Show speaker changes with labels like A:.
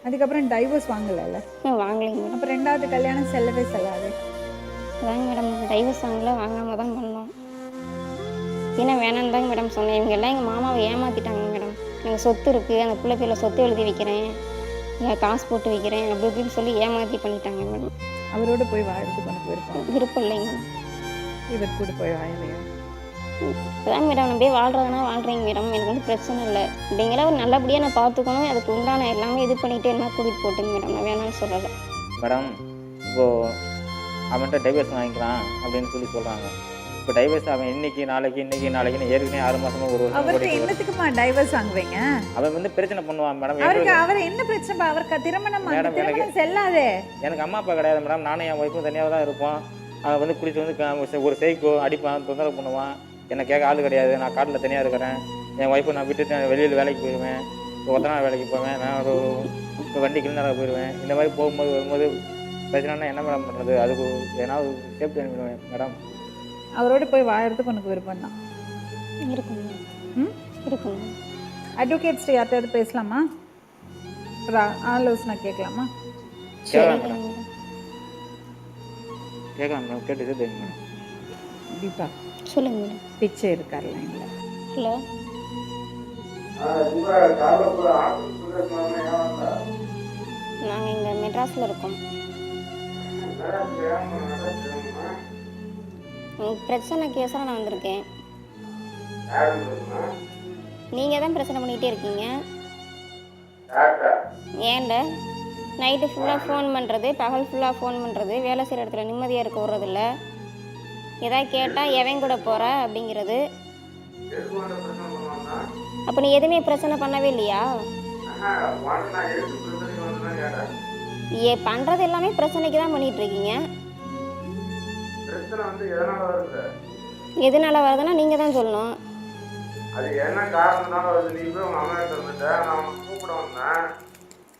A: அதுக்கப்புறம் divorce வாங்கலைல்ல?
B: வாங்கலைங்க madam.
A: அப்போ 2வது கல்யாணம் செல்லவே செல்லாது.
B: அதாங்க மேடம் டைவர்ஸ் வாங்காமல் தான் பண்ணோம். ஏன்னா வேணான்னு தாங்க மேடம் சொன்னேன். இவங்க எல்லாம் எங்கள் மாமாவை ஏமாற்றிட்டாங்க மேடம். எனக்கு சொத்து இருக்குது, அந்த பிள்ளை பேரில் சொத்து எழுதி வைக்கிறேன், காசு போட்டு வைக்கிறேன் அப்படி இப்படின்னு சொல்லி ஏமாற்றி பண்ணிட்டாங்க மேடம்.
A: அவரோட போய் வாழறதுக்கு உனக்கு
B: விருப்பம் இல்லைங்க.
A: இவர் கூட போய் வாழலையா?
B: அதான் மேடம் நான் போய் வாழ்கிறதுனா வாழ்கிறேங்க மேடம். எனக்கு வந்து பிரச்சனை இல்லை. அப்படிங்கிற ஒரு நல்லபடியாக நான் பார்த்துக்கணும், அதுக்கு உண்டான எல்லாமே இது பண்ணிவிட்டு என்ன கூட்டிகிட்டு போட்டுங்க மேடம். நான் வேணான்னு சொல்லலை
C: மேடம். இப்போது அவன்கிட்ட டைவர்ஸ் வாங்கிக்கலாம் அப்படின்னு சொல்கிறாங்க. இப்போ டைவர்ஸ் அவன் இன்னைக்கு நாளைக்குன்னு ஏற்கனவே 6 மாதமா ஒரு வருஷம்
A: அவருக்கு என்னத்துக்குமா டைவர்ஸ் வாங்குவீங்க?
C: அவன் வந்து பிரச்சனை பண்ணுவான் மேடம்.
A: அவர் என்ன பிரச்சனை? அவருக்கு திருமணம் செல்லாதே.
C: எனக்கு அம்மா அப்பா கிடையாது மேடம். நானும் என் ஒய்ஃபும் தனியாக தான் இருப்போம். அவன் வந்து குடிச்சு வந்து ஒரு சைக்கோ அடிப்பான், தொந்தரவு பண்ணுவான். என்னை கேட்க ஆள் கிடையாது. நான் காட்டில் தனியாக இருக்கிறேன். என் ஒய்ஃபை நான் விட்டுட்டு வெளியில் வேலைக்கு போயிடுவேன். ஒத்தனை வேலைக்கு போவேன். நான் ஒரு வண்டி கிளீனராக போயிடுவேன். இந்த மாதிரி போகும்போது வரும்போது பிரச்சனைனா என்ன மேடம் பண்ணுறது? அதுக்கு ஏதாவது சேஃப்டி அனுப்பிடுவேன் மேடம்.
A: அவரோட போய் வாழறதுக்கு உனக்கு விருப்பம் தான்
B: இருக்குங்க.
A: அட்வொகேட்ஸ் யார்கிட்ட பேசலாமா? ஆலோசனை கேட்கலாமா?
C: கேட்கலாம் மேடம். கேட்டு மேடம்.
A: தீபா
B: சொல்லுங்க மேடம்.
A: பிச்சை இருக்கார்ல இல்லை?
B: ஹலோ. நாங்கள் இங்கே மெட்ராஸில் இருக்கோம். பிரச்சனை கேஸாக நான் வந்திருக்கேன். நீங்கள் தான் பிரச்சனை பண்ணிகிட்டே இருக்கீங்க. ஏன்ட நைட்டு ஃபுல்லாக ஃபோன் பண்ணுறது, பகல் ஃபுல்லாக ஃபோன் பண்ணுறது, வேலை செய்கிற இடத்துல நிம்மதியாக இருக்க விட்றதில்ல. எதாவது கேட்டால் எவன் கூட போகிற அப்படிங்கிறது. அப்போ நீ எதுவுமே பிரச்சனை பண்ணவே இல்லையா? பண்ணுறது எல்லாமே பிரச்சனைக்கு தான் பண்ணிகிட்ருக்கீங்க. எதனால வருதுன்னா நீங்கள் தான் சொல்லணும்.
D: அது என்ன காரணம்னால வருது? நீ போய் உங்கள் அம்மா கிட்ட இருந்துட்ட, நான் உனக்கு கூப்பிட வந்தேன்.